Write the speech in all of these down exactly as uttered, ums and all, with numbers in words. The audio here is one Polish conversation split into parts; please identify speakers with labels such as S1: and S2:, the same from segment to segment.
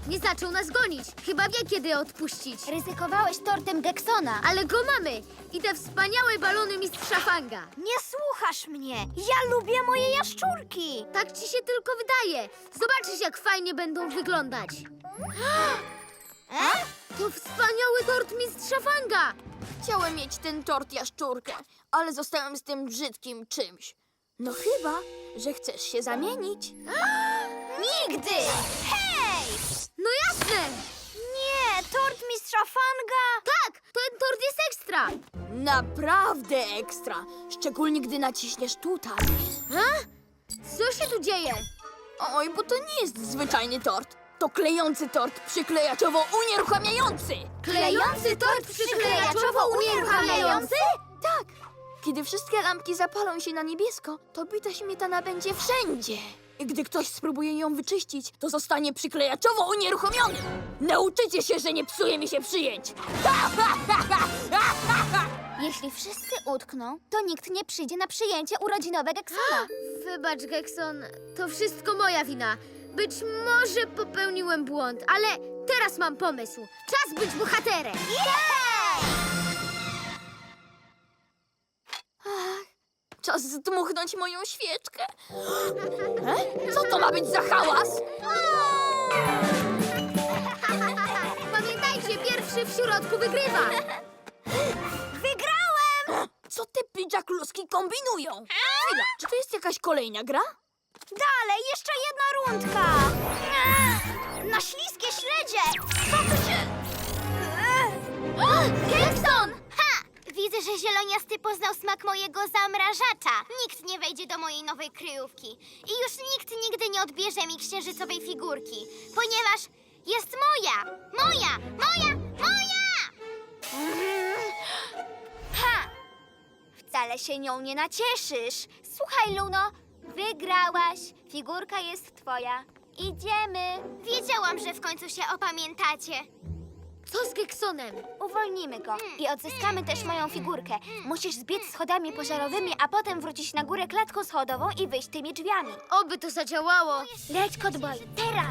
S1: Nie zaczął nas gonić. Chyba wie, kiedy odpuścić.
S2: Ryzykowałeś tortem Geksona.
S1: Ale go mamy! I te wspaniałe balony mistrza Fanga.
S2: Nie słuchasz mnie. Ja lubię moje jaszczurki.
S1: Tak ci się tylko wydaje. Zobaczysz, jak fajnie będą wyglądać.
S2: E?
S1: To wspaniały tort mistrza Fanga!
S3: Chciałem mieć ten tort jaszczurkę, ale zostałem z tym brzydkim czymś. No chyba, że chcesz się zamienić.
S2: Nigdy! Hej!
S1: No jasne!
S2: Nie, tort mistrza Fanga.
S1: Tak, ten tort jest ekstra!
S3: Naprawdę ekstra, szczególnie gdy naciśniesz tutaj.
S1: A? Co się tu dzieje?
S3: Oj, bo to nie jest zwyczajny tort. To klejący tort przyklejaczowo-unieruchamiający.
S1: Klejący tort przyklejaczowo-unieruchamiający?
S3: Tak. Kiedy wszystkie lampki zapalą się na niebiesko, to bita śmietana będzie wszędzie. I gdy ktoś spróbuje ją wyczyścić, to zostanie przyklejaczowo unieruchomiony. Nauczycie się, że nie psuje mi się przyjęć.
S2: Jeśli wszyscy utkną, to nikt nie przyjdzie na przyjęcie urodzinowe Geksona.
S1: Wybacz, Gekson, to wszystko moja wina. Być może popełniłem błąd, ale teraz mam pomysł. Czas być bohaterem!
S3: Czas zdmuchnąć moją świeczkę. E? Co to ma być za hałas?
S1: Pamiętajcie, pierwszy w środku wygrywa!
S2: Wygrałem!
S3: Co te pidżakluski kombinują? Chwila, czy to jest jakaś kolejna gra?
S2: Dalej, jeszcze jedna rundka. Na śliskie śledzie. Co tu się...
S1: Gekson!
S2: Ha! Widzę, że zieloniasty poznał smak mojego zamrażacza. Nikt nie wejdzie do mojej nowej kryjówki. I już nikt nigdy nie odbierze mi księżycowej figurki, ponieważ jest moja! Moja! Moja! Moja! Ha! Wcale się nią nie nacieszysz. Słuchaj, Luno, wygrałaś. Figurka jest twoja. Idziemy. Wiedziałam, że w końcu się opamiętacie.
S1: Co z Geksonem?
S2: Uwolnimy go i odzyskamy też moją figurkę. Musisz zbiec schodami pożarowymi, a potem wrócić na górę klatką schodową i wyjść tymi drzwiami.
S1: Oby to zadziałało.
S2: Leć, Kotboy, teraz!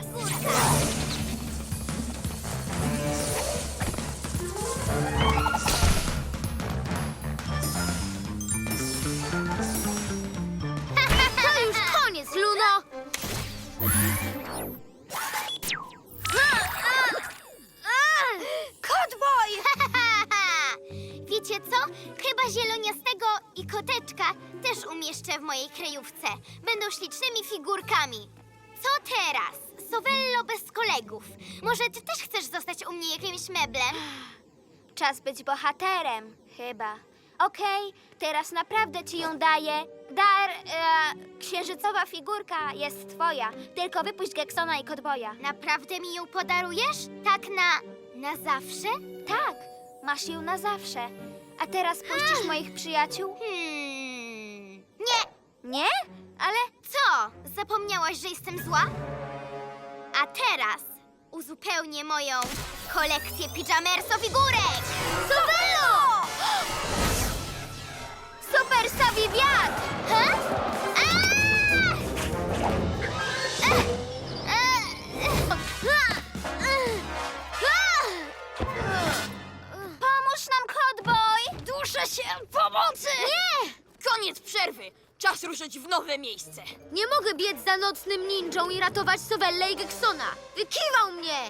S1: To już koniec, Luno!
S2: Kotboy! Wiecie co? Chyba zieloniastego i koteczka też umieszczę w mojej kryjówce. Będą ślicznymi figurkami. Co teraz? Sowello bez kolegów. Może ty też chcesz zostać u mnie jakimś meblem? Czas być bohaterem, chyba. Okej, teraz naprawdę ci ją daję. Dar, e, księżycowa figurka jest twoja. Tylko wypuść Geksona i Kotboya. Naprawdę mi ją podarujesz? Tak na... na zawsze? Tak, masz ją na zawsze. A teraz puścisz moich przyjaciół? Hmm... Nie! Nie? Ale co? Zapomniałaś, że jestem zła? A teraz uzupełnię moją kolekcję pijamerso figurek! Sowello! Super Savi wiatr! Ha? Aaa! Ech! Ech! Pomóż nam, Kotboy!
S3: Duszę się! Pomocy!
S1: Nie!
S3: Koniec przerwy! Czas ruszyć w nowe miejsce.
S1: Nie mogę biec za nocnym ninją i ratować Sowellę i Geksona. Wykiwał mnie!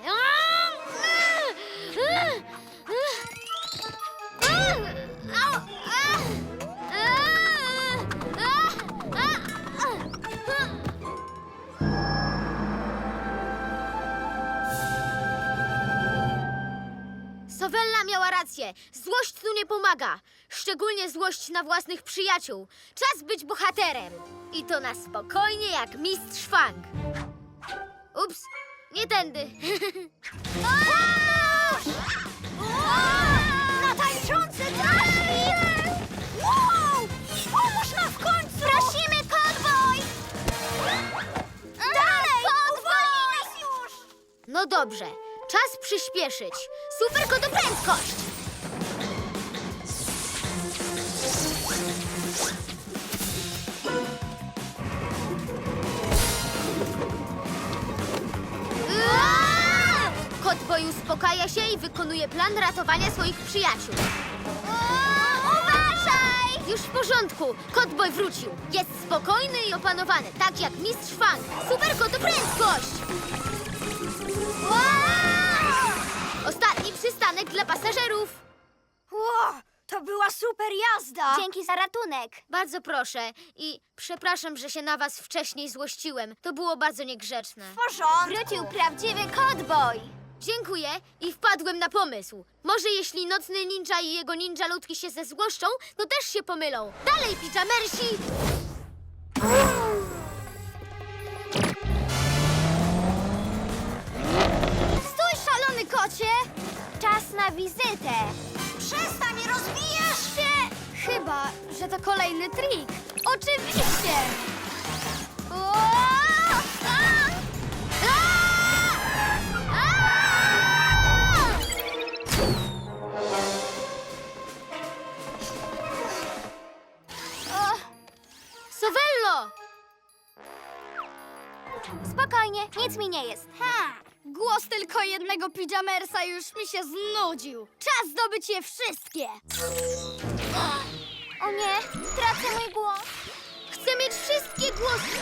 S1: Sowella miała rację. Złość tu nie pomaga. Szczególnie złość na własnych przyjaciół. Czas być bohaterem. I to na spokojnie jak mistrz Fang. Ups, nie tędy.
S2: Na tańczący trafik! Wow! Pomóż nam w końcu! Prosimy, Kotboy! Dalej! Uwolnij nas już!
S1: No dobrze, czas przyspieszyć. Super kotoprędkość! Aaaa! skupia się i wykonuje plan ratowania swoich przyjaciół.
S2: Uważaj!
S1: Już w porządku. Kotboj wrócił. Jest spokojny i opanowany, tak jak mistrz Fang. Super kotu prędkość! Ostatni przystanek dla pasażerów.
S2: Wow, to była super jazda! Dzięki za ratunek.
S1: Bardzo proszę i przepraszam, że się na was wcześniej złościłem. To było bardzo niegrzeczne.
S2: Porządku. Wrócił prawdziwy kotboj.
S1: Dziękuję i wpadłem na pomysł. Może jeśli nocny ninja i jego ninja ludki się zezłoszczą, to też się pomylą. Dalej, pijamersi!
S2: Stój, szalony kocie! Czas na wizytę. Przestań, rozbijasz się! Chyba, że to kolejny trik. Oczywiście! O! A! A! A! O,
S1: Sovello!
S2: spokojnie, nic mi nie jest. Ha! Głos tylko jednego pijamersa już mi się znudził. Czas zdobyć je wszystkie. O nie, tracę mój głos.
S1: Chcę mieć wszystkie głosy.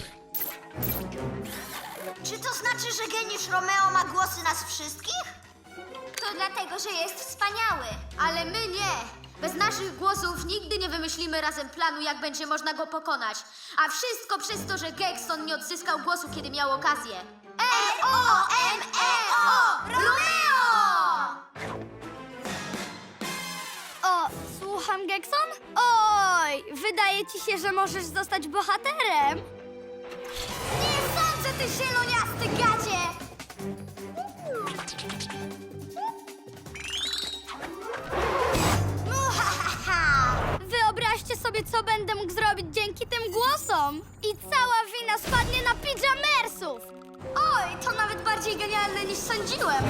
S4: Czy to znaczy, że geniusz Romeo ma głosy nas wszystkich?
S2: To dlatego, że jest wspaniały.
S1: Ale my nie. Bez naszych głosów nigdy nie wymyślimy razem planu, jak będzie można go pokonać. A wszystko przez to, że Gekson nie odzyskał głosu, kiedy miał okazję.
S4: R O M E O! Romeo!
S2: O, słucham, Gekson? Oj, wydaje ci się, że możesz zostać bohaterem. Nie sądzę, ty zieloniasty gadzie! Muhahaha! Wyobraźcie sobie, co będę mógł zrobić dzięki tym głosom. I cała wina spadnie na pijamersów. Oj, to nawet bardziej genialne niż sądziłem.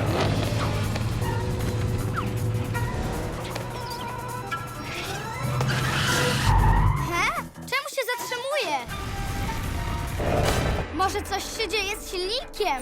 S2: He? Czemu się zatrzymuje? Może coś się dzieje z silnikiem?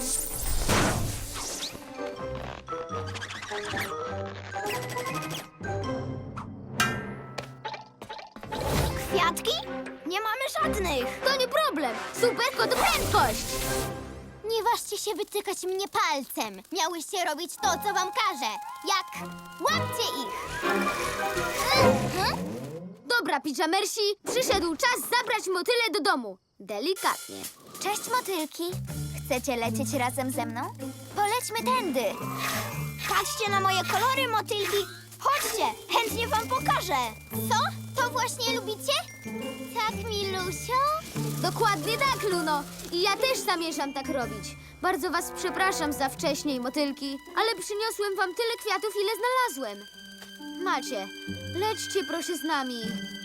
S2: Kwiatki? Nie mamy żadnych.
S1: To nie problem. Super kotu prędkość.
S2: Nie ważcie się wytykać mnie palcem. Miałyście robić to, co wam każę. Jak łapcie ich. Mhm.
S1: Dobra, pijamersi, przyszedł czas zabrać motyle do domu. Delikatnie.
S2: Cześć, motylki. Chcecie lecieć razem ze mną? Polećmy tędy. Patrzcie na moje kolory, motylki. Chodźcie, chętnie wam pokażę. Co? To właśnie lubicie? Tak, Milusio?
S1: Dokładnie tak, Luno. I ja też zamierzam tak robić. Bardzo was przepraszam za wcześniej, motylki, ale przyniosłem wam tyle kwiatów, ile znalazłem. Macie, lećcie proszę z nami.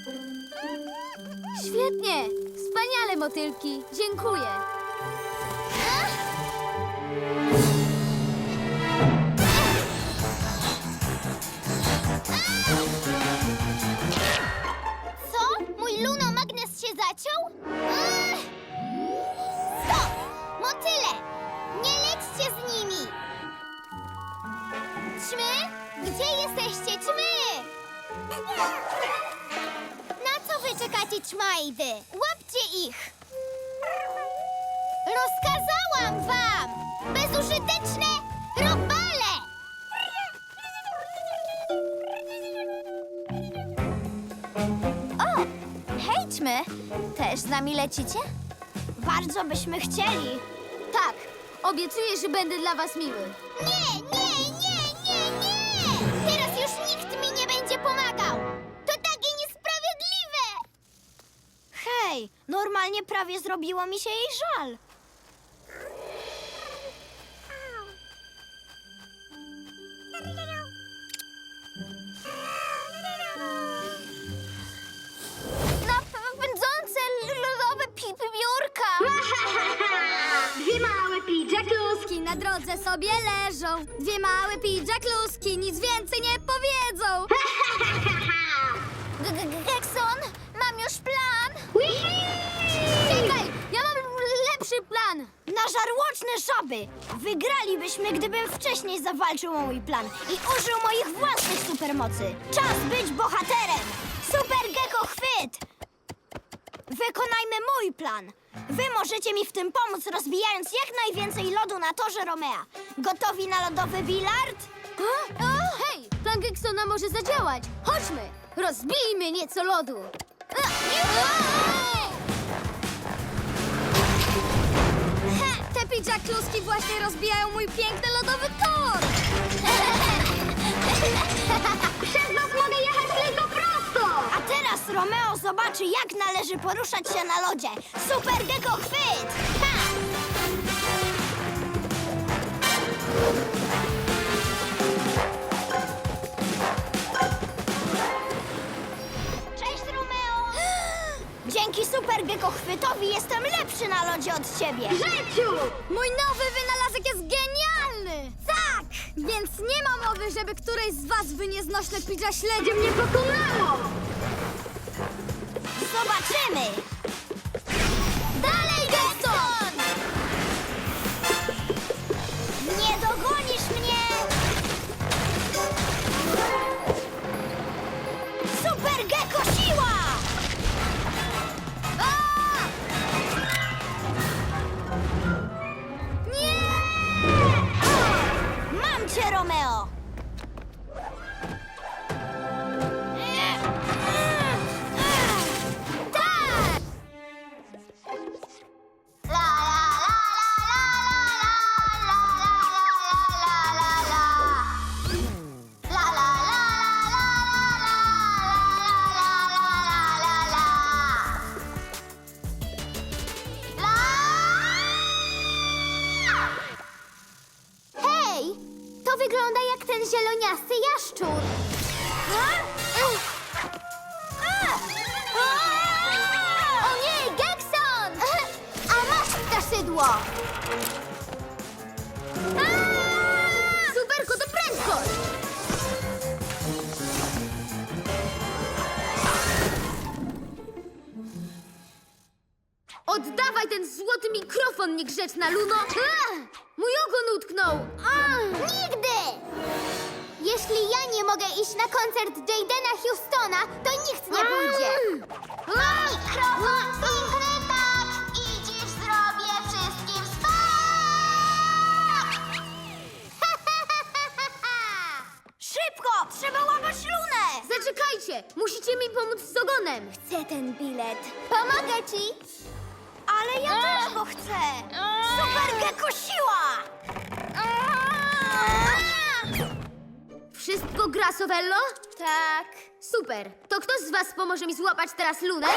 S1: Świetnie, wspaniale, motylki. Dziękuję.
S2: Co? Mój lunomagnes się zaciął? Ech! Stop! Motyle! Nie lećcie z nimi! Ćmy? Gdzie jesteście, ćmy? Na co wy czekacie, ćmajdy? Łapcie ich! Rozkazałam wam! Bezużyteczne robale! O! Hej, ćmy! Też z nami lecicie? Bardzo byśmy chcieli.
S1: Tak, obiecuję, że będę dla was miły.
S2: Nie, nie, nie, nie, nie! Teraz już nikt mi nie będzie pomagał! To takie niesprawiedliwe! Hej, normalnie prawie zrobiło mi się jej żal. Napędzące lodowe pipy biurka!
S5: Dwie małe pidżakluski na drodze sobie leżą. Dwie małe pidżakluski nic więcej nie powiedzą.
S2: Gekson, mam już plan!
S1: Czekaj, ja mam lepszy plan.
S5: Na żarłoczne żaby! Wygralibyśmy, gdybym wcześniej zawalczył o mój plan i użył moich własnych supermocy. Czas być bohaterem! Super Gecko chwyt! Wykonajmy mój plan. Wy możecie mi w tym pomóc, rozbijając jak najwięcej lodu na torze Romea. Gotowi na lodowy bilard?
S1: A? A? Hej, plan Geksona może zadziałać. Chodźmy, rozbijmy nieco lodu. A,
S5: Te pidżakluski właśnie rozbijają mój piękny lodowy tor! Przez was mogę jechać tylko prosto! A teraz Romeo zobaczy, jak należy poruszać się na lodzie. Super Gecko chwyt! Ha!
S2: Cześć, Romeo!
S5: Dzięki Super Gecko chwytowi jestem lepszy na lodzie od ciebie.
S2: Życiu!
S5: Mój nowy wynalazek jest genialny! Tak! Więc nie ma mowy, żeby któreś z was wy nieznośne pidża śledzie mnie pokonało! Zobaczymy! Dalej, Gekson! Nie dogonisz mnie! Super Gecko siła! A! Nie! Mam cię, Romeo! Tak!
S2: La la la la la la la la la la la. La la la la la la la la la la.
S5: Hej! To wygląda jak ten zieloniasty jaszczur. O nie, Gekson! A masz ptaszydło!
S1: Superko, to prędkość! Oddawaj ten złoty mikrofon, niegrzeczna Luno! A! Mój ogon utknął! A!
S2: Nigdy! Jeśli ja nie mogę iść na koncert Jadena Houstona, to nikt nie pójdzie. Mam mikrofon i grytak i dziś zrobię wszystkim skok!
S5: Szybko! Trzeba łapać lunę!
S1: Zaczekajcie! Musicie mi pomóc z ogonem!
S5: Chcę ten bilet.
S2: Pomogę ci!
S5: Ale ja też go chcę! Super Gecko siła!
S1: Wszystko gra, Sovello?
S5: Tak.
S1: Super! To kto z was pomoże mi złapać teraz Lunę?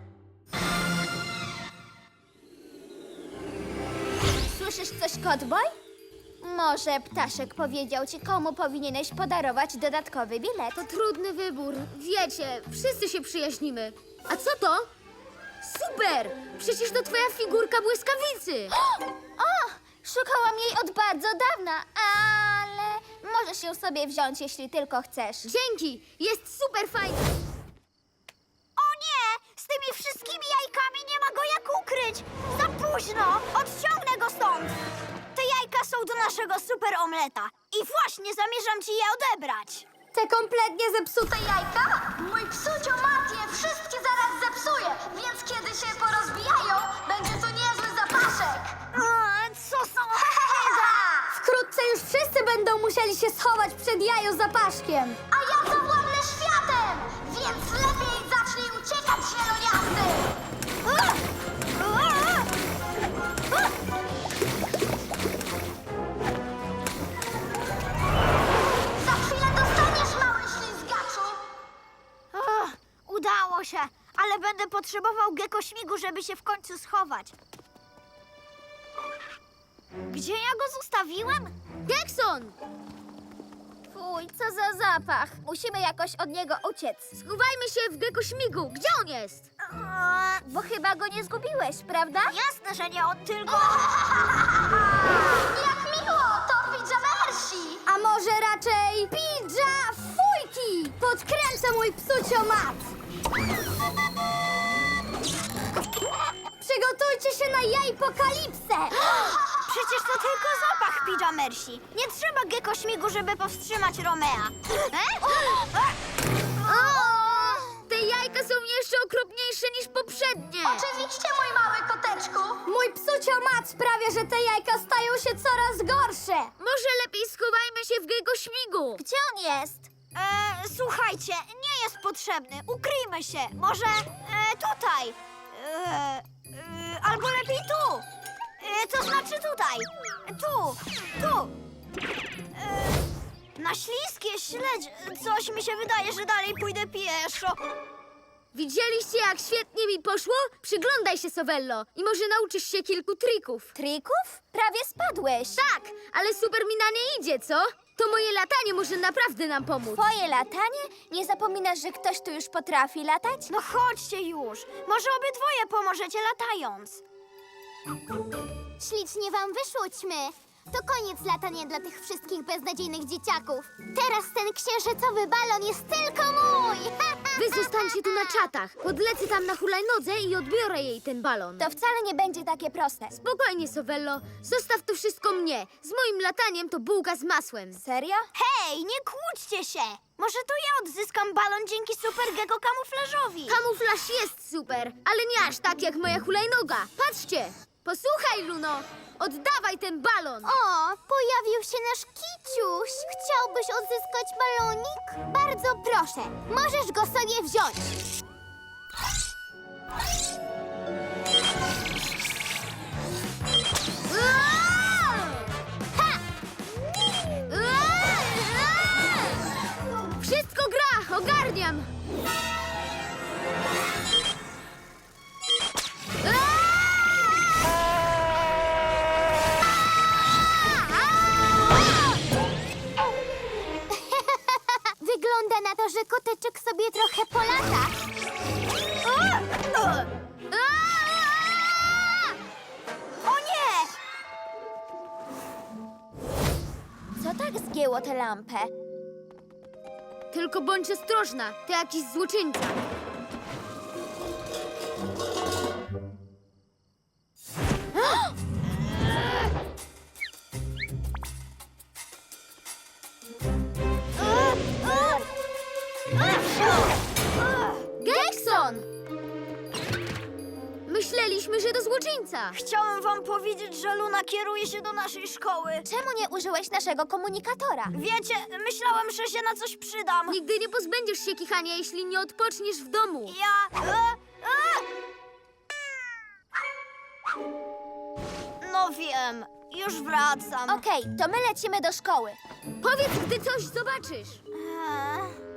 S5: Słyszysz coś, Kotboj? Może ptaszek powiedział ci, komu powinieneś podarować dodatkowy bilet.
S1: To trudny wybór. Wiecie, wszyscy się przyjaźnimy. A co to? Super! Przecież to twoja figurka błyskawicy!
S5: O! Szukałam jej od bardzo dawna, ale możesz ją sobie wziąć, jeśli tylko chcesz.
S1: Dzięki! Jest super fajna!
S5: O nie! Z tymi wszystkimi jajkami nie ma go jak ukryć! Za późno! Odciągnę go stąd! Te jajka są do naszego super omleta i właśnie zamierzam ci je odebrać. Te kompletnie zepsute jajka?
S2: Mój psucio Mat je wszystkie zaraz zepsuje, więc kiedy się porozbijają, będzie to niezły zapaszek.
S5: Co są? Wkrótce już wszyscy będą musieli się schować przed jajozapaszkiem.
S2: A ja zawładnę światem, więc lepiej zacznij uciekać, zieloniasty. Za chwilę dostaniesz, mały ślizgaczu.
S5: Ach, udało się, ale będę potrzebował gekośmigu, żeby się w końcu schować. Gdzie ja go zostawiłem?
S1: Gekson!
S5: Fuj, co za zapach. Musimy jakoś od niego uciec.
S1: Schowajmy się w gekośmigu! Gdzie on jest?
S5: Eee, Bo chyba go nie zgubiłeś, prawda? Jasne, że nie, on tylko...
S2: Jak miło, to pijamersi.
S5: A może raczej pidża fujki! Podkręcę mój psuciomat! Przygotujcie się na jaj Ejpokalipsę! Przecież to tylko zapach pijamersi. Nie trzeba Gecko śmigu, żeby powstrzymać Romea. E?
S1: Te jajka są jeszcze okropniejsze niż poprzednie.
S4: Oczywiście, mój mały koteczku.
S5: Mój psucio-mat sprawia, że te jajka stają się coraz gorsze.
S1: Może lepiej schowajmy się w Gecko śmigu.
S5: Gdzie on jest? E, słuchajcie, nie jest potrzebny. Ukryjmy się. Może e, tutaj. E, e, albo lepiej tu. E, to znaczy tutaj. Tu, tu. E, na śliskie śledź. Coś mi się wydaje, że dalej pójdę pieszo.
S1: Widzieliście, jak świetnie mi poszło? Przyglądaj się, Sovello, i może nauczysz się kilku trików.
S5: Trików? Prawie spadłeś.
S1: Tak, ale super mi na nie idzie, co? To moje latanie może naprawdę nam pomóc.
S5: Twoje latanie? Nie zapominasz, że ktoś tu już potrafi latać? No chodźcie już. Może obydwoje pomożecie latając.
S2: Ślicznie wam wyszło, ćmy. To koniec latania dla tych wszystkich beznadziejnych dzieciaków. Teraz ten księżycowy balon jest tylko mój!
S1: Wy zostańcie tu na czatach. Podlecę tam na hulajnodze i odbiorę jej ten balon.
S5: To wcale nie będzie takie proste.
S1: Spokojnie, Sovello. Zostaw to wszystko mnie. Z moim lataniem to bułka z masłem.
S5: Serio? Hej, nie kłóćcie się! Może to ja odzyskam balon dzięki Super Gecko kamuflażowi.
S1: Kamuflaż jest super, ale nie aż tak jak moja hulajnoga. Patrzcie! Posłuchaj, Luno! Oddawaj ten balon!
S2: O, pojawił się nasz kiciuś. Chciałbyś odzyskać balonik? Bardzo proszę, możesz go sobie wziąć.
S1: Aaa!
S2: Ha!
S1: Aaa! Wszystko gra! Ogarniam!
S2: Wygląda na to, że koteczek sobie trochę polata.
S5: O nie! Co tak zgięło tę lampę?
S1: Tylko bądź ostrożna, to jakiś złoczyńca. Gekson! Myśleliśmy, że to złoczyńca.
S5: Chciałem wam powiedzieć, że Luna kieruje się do naszej szkoły. Czemu nie użyłeś naszego komunikatora? Wiecie, myślałem, że się na coś przydam.
S1: Nigdy nie pozbędziesz się kichania, jeśli nie odpoczniesz w domu.
S5: Ja... E, e! No wiem, już wracam. Okej, to my lecimy do szkoły.
S1: Powiedz, gdy coś zobaczysz.
S5: Eee.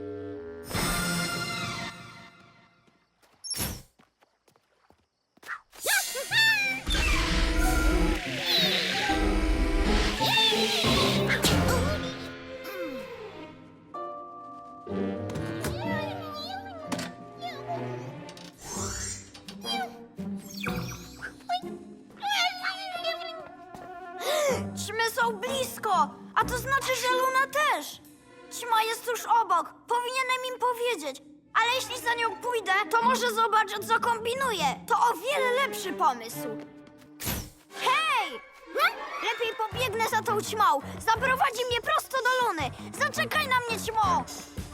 S5: Ćmy są blisko, a to znaczy, że Luna też. Ćma jest tuż obok, powinienem im powiedzieć. Ale jeśli za nią pójdę, to może zobaczę, co kombinuje. To o wiele lepszy pomysł. Hej! Hm? Lepiej pobiegnę za tą ćmą. Zaprowadzi mnie prosto do Luny. Zaczekaj na mnie, ćmo!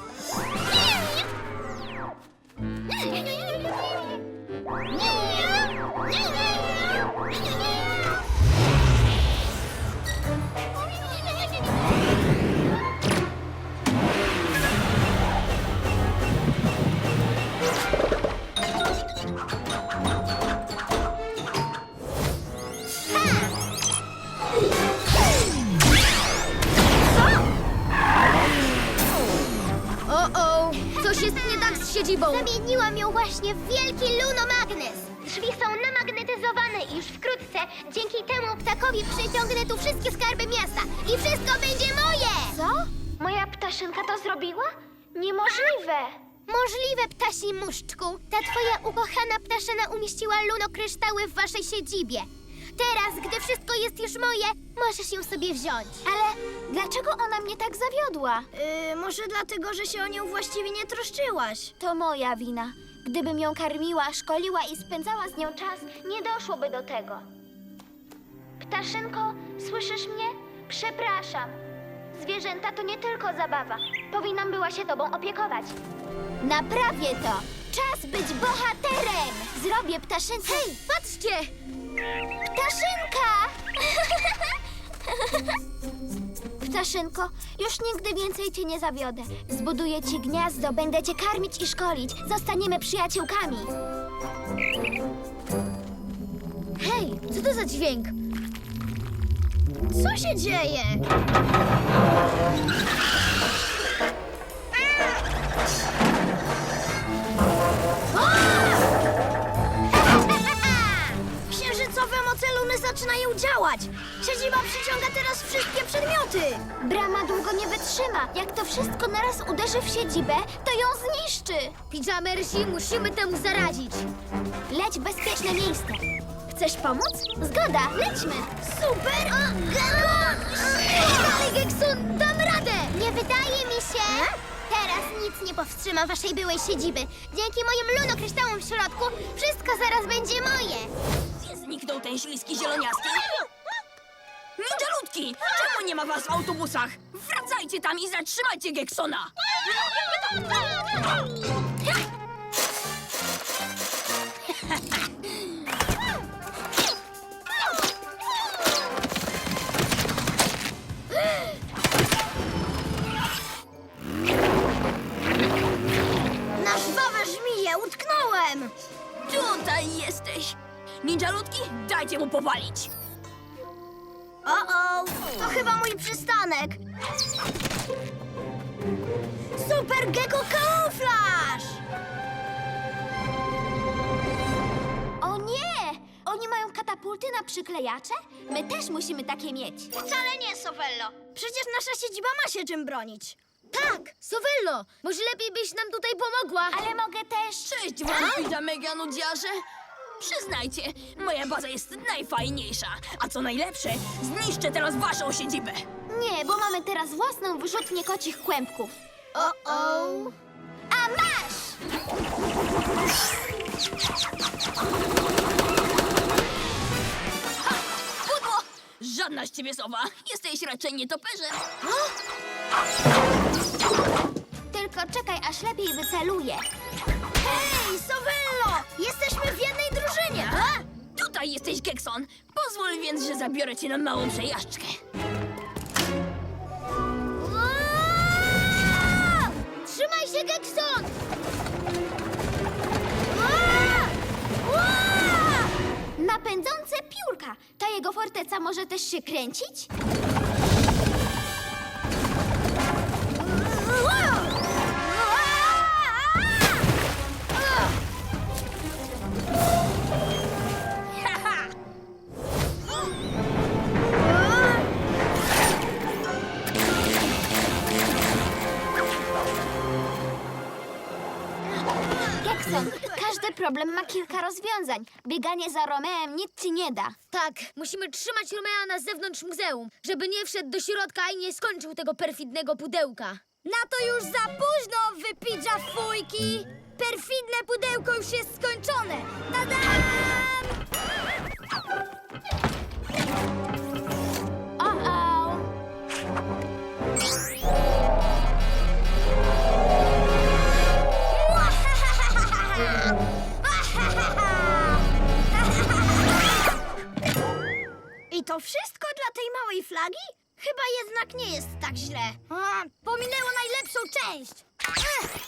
S1: O-o! Coś jest nie tak z siedzibą.
S2: Zamieniłam ją właśnie w wielki lunomagnes. Drzwi są namagnetyzowane i już wkrótce dzięki temu ptakowi przyciągnę tu wszystkie skarby miasta i wszystko będzie moje!
S5: Co? Moja ptaszynka to zrobiła? Niemożliwe.
S2: Możliwe, ptasi muszczku. Ta twoja ukochana ptaszyna umieściła lunokryształy w waszej siedzibie. Teraz, gdy wszystko jest już moje, możesz ją sobie wziąć.
S5: Ale dlaczego ona mnie tak zawiodła? Yy, może dlatego, że się o nią właściwie nie troszczyłaś. To moja wina.
S2: Gdybym ją karmiła, szkoliła i spędzała z nią czas, nie doszłoby do tego. Ptaszynko, słyszysz mnie? Przepraszam. Zwierzęta to nie tylko zabawa. Powinnam była się tobą opiekować. Naprawię to! Czas być bohaterem! Zrobię ptaszynkę.
S1: Hej, patrzcie!
S2: Ptaszynka! Ptaszynko, już nigdy więcej cię nie zawiodę. Zbuduję ci gniazdo, będę cię karmić i szkolić. Zostaniemy przyjaciółkami.
S1: Hej, co to za dźwięk?
S5: Co się dzieje? Księżycowe moce Luny zaczynają działać. Siedziba przyciąga teraz wszystkie przedmioty.
S2: Brama długo nie wytrzyma. Jak to wszystko naraz uderzy w siedzibę, to ją zniszczy.
S1: Pijamersi, musimy temu zaradzić.
S2: Leć w bezpieczne miejsce. Chcesz pomóc? Zgoda, lećmy. Super!
S1: Ale Gekson, dam radę!
S2: Nie wydaje mi się. Teraz nic nie powstrzyma waszej byłej siedziby. Dzięki moim lunokryształom w środku wszystko zaraz będzie moje.
S3: Gdzie zniknął ten śliski zieloniasty? Ninjaludki! Czemu nie ma was w autobusach? Wracajcie tam i zatrzymajcie Geksona!
S5: Na żwawe żmije utknąłem.
S3: Tutaj jesteś! Ninjaludki, dajcie mu powalić!
S5: O-o, to chyba mój przystanek. Super Gecko Camouflage!
S2: O nie! Oni mają katapulty na przyklejacze? My też musimy takie mieć.
S5: Wcale nie, Sovello. Przecież nasza siedziba ma się czym bronić.
S1: Tak, Sovello, może lepiej byś nam tutaj pomogła.
S2: Ale mogę też...
S3: Cześć wam, pijamega nudziarze! Przyznajcie, moja baza jest najfajniejsza, a co najlepsze, zniszczę teraz waszą siedzibę!
S2: Nie, bo mamy teraz własną wyrzutnię kocich kłębków.
S5: O-o.
S2: A masz!
S3: Pudło! Żadna z ciebie sowa, jesteś raczej nietoperzem!
S2: Tylko czekaj, aż lepiej wyceluję.
S5: Hej, Sovello! Jesteśmy w jednej drużynie.
S3: A? Tutaj jesteś, Gekson! Pozwól więc, że zabiorę cię na małą przejażdżkę.
S1: Trzymaj się, Gekson!
S2: Napędzące piórka. Ta jego forteca może też się kręcić? Gekson, każdy problem ma kilka rozwiązań. Bieganie za Romeem nic ci nie da.
S1: Tak, musimy trzymać Romea na zewnątrz muzeum, żeby nie wszedł do środka i nie skończył tego perfidnego pudełka.
S5: Na to już za późno, wypidża fujki! Perfidne pudełko już jest skończone! Tadam!
S2: O-o!
S5: I to wszystko dla tej małej flagi? Chyba jednak nie jest tak źle. A, pominęło najlepszą część. Ech.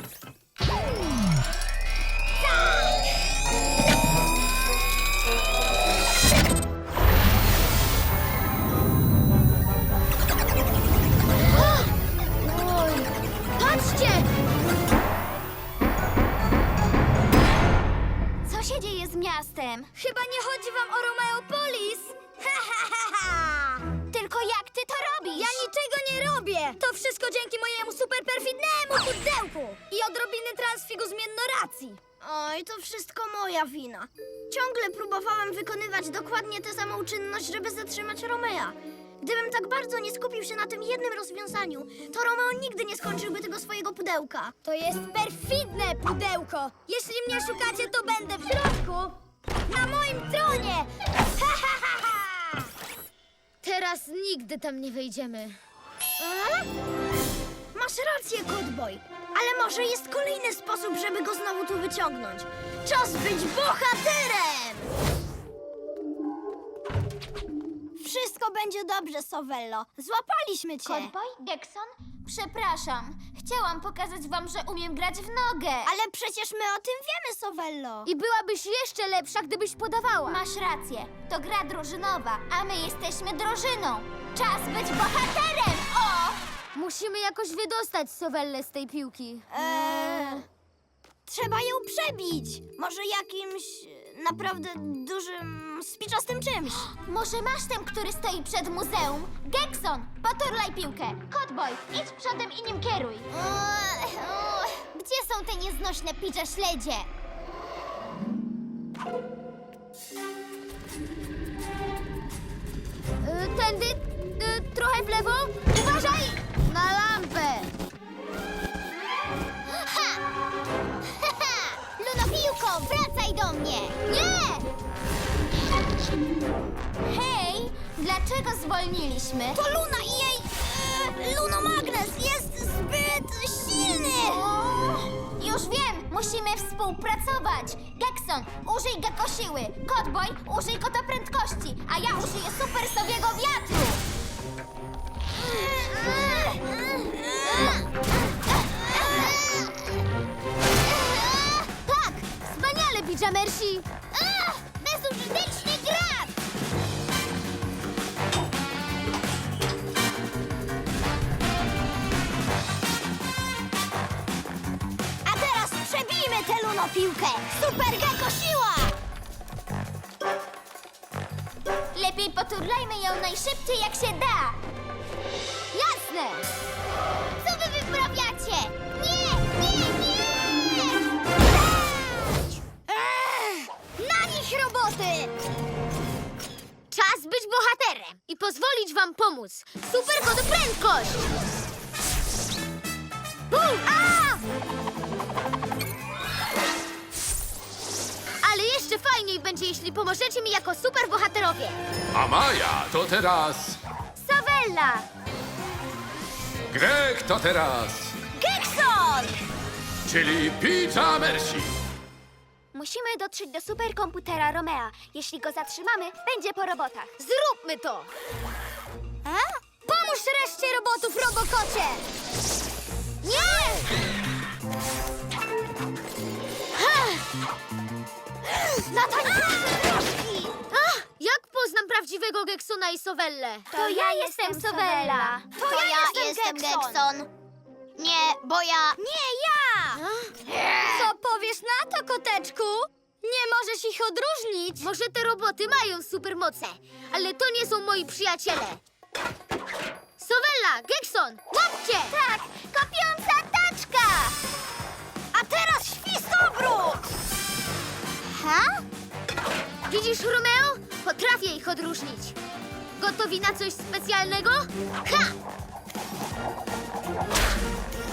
S1: Patrzcie!
S2: Co się dzieje z miastem?
S5: Chyba nie chodzi wam o Romeopolis?
S2: Tylko jak ty to robisz?
S5: Ja niczego nie robię! To wszystko dzięki mojemu superperfidnemu pudełku i odrobiny transfigu zmiennoracji. Oj, to wszystko moja wina. Ciągle próbowałem wykonywać dokładnie tę samą czynność, żeby zatrzymać Romea. Gdybym tak bardzo nie skupił się na tym jednym rozwiązaniu, to Romeo nigdy nie skończyłby tego swojego pudełka. To jest perfidne pudełko! Jeśli mnie szukacie, to będę w środku! Na moim tronie! Ha, ha, ha, ha!
S1: Teraz nigdy tam nie wejdziemy.
S5: A? Masz rację, Kotboj, ale może jest kolejny sposób, żeby go znowu tu wyciągnąć. Czas być bohaterem! Wszystko będzie dobrze, Sovello. Złapaliśmy cię.
S2: Kotboj? Gekson? Przepraszam. Chciałam pokazać wam, że umiem grać w nogę.
S5: Ale przecież my o tym wiemy, Sovello.
S1: I byłabyś jeszcze lepsza, gdybyś podawała.
S2: Masz rację. To gra drużynowa, a my jesteśmy drużyną. Czas być bohaterem! O!
S1: Musimy jakoś wydostać Sowellę z tej piłki.
S5: Eee, trzeba ją przebić. Może jakimś e, naprawdę dużym, spiczastym czymś.
S2: Może masz ten, który stoi przed muzeum? Gekson, poturlaj piłkę. Kotboj, idź przodem i nim kieruj.
S5: Eee, o,
S2: Gdzie są te nieznośne picze śledzie?
S1: Y, tędy, y, trochę w lewo. Uważaj! Na lampę!
S2: Ha! Ha, ha! Lunopiłko, wracaj do mnie!
S1: Nie!
S2: Hej, dlaczego zwolniliśmy?
S5: to Luna i jej e, lunomagnes jest zbyt silny.
S2: Już wiem, musimy współpracować. Gekson, użyj gekosiły. Kotboj, użyj kota prędkości, a ja użyję super sowiego wiatru.
S1: Tak! Wspaniale, Pijamersi!
S2: Ach, bezużyteczny grat!
S5: A teraz przebijmy tę lunopiłkę. Super Gecko siła!
S2: Lepiej poturlajmy ją najszybciej jak się da.
S1: Jasne!
S2: Co wy wyprawiacie? Nie, nie, nie!
S5: Eee, na nich roboty!
S1: Czas być bohaterem i pozwolić wam pomóc. Super kod prędkość! Bum! A! Ale jeszcze fajniej będzie, jeśli pomożecie mi jako super bohaterowie.
S6: A Maja to teraz...
S1: Sowella!
S6: Greg to teraz...
S5: Gekson!
S6: Czyli Pijamersi.
S2: Musimy dotrzeć do superkomputera Romea. Jeśli go zatrzymamy, będzie po robotach.
S1: Zróbmy to!
S5: A? Pomóż reszcie robotów, Robokocie!
S1: Nie!
S5: Natalie!
S1: Ach, jak poznam prawdziwego Geksona i Sowellę?
S2: To ja jestem Sowella.
S5: To,
S4: To ja jestem Gekson. Nie, bo ja...
S5: Nie ja! Co powiesz na to, koteczku? Nie możesz ich odróżnić.
S1: Może te roboty mają supermoce, ale to nie są moi przyjaciele. Sowella, Gekson, łapcie!
S2: Tak, kopiąca taczka!
S5: A teraz świstobrót!
S2: Ha?
S1: Widzisz, Romeo? Potrafię ich odróżnić. Gotowi na coś specjalnego? Ha!